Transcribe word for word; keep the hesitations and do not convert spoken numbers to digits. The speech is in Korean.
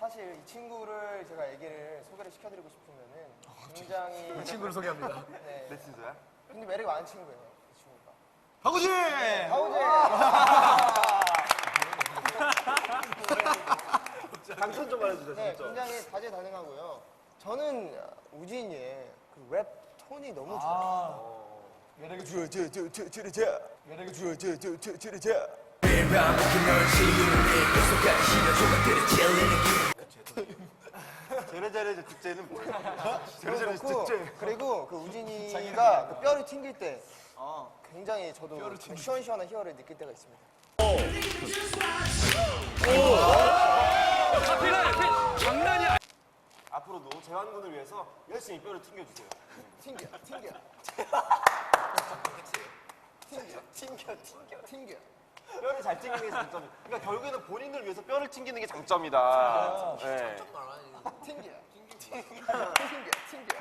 사실 이 친구를 제가 얘기를 소개를 시켜드리고 싶으면은 굉장히 이 친구를 소개합니다. 네. 내 친구야? 근데 매력이 많은 친구예요, 이 친구가. 하구지! 네, 하우제! 당첨 좀 말해주세요, 네, 진짜. 굉장히 다재다능하고요. 저는 우진이의 그 랩 톤이 너무 좋아요. 아, 매력이 주, 저, 저, 저, 저, 저, 매력이 주, 저, 저, 저, 저, 저. 제레제레 특제는 뭐예요? 제레제레 그렇고, 특제. 그리고 그 우진이가 그 뼈를 튕길 때 굉장히 저도 그 시원시원한 희열을 느낄 때가 있습니다. 앞으로도 재환군을 위해서 열심히 뼈를 튕겨주세요. 튕겨, 튕겨. 튕겨, 튕겨, 튕겨, 튕겨. 뼈를 잘 튕기는 게 장점이. 그러니까 결국에는 본인을 위해서 뼈를 튕기는 게 장점이다. 네. 튕겨, 튕겨, 튕겨, 튕겨.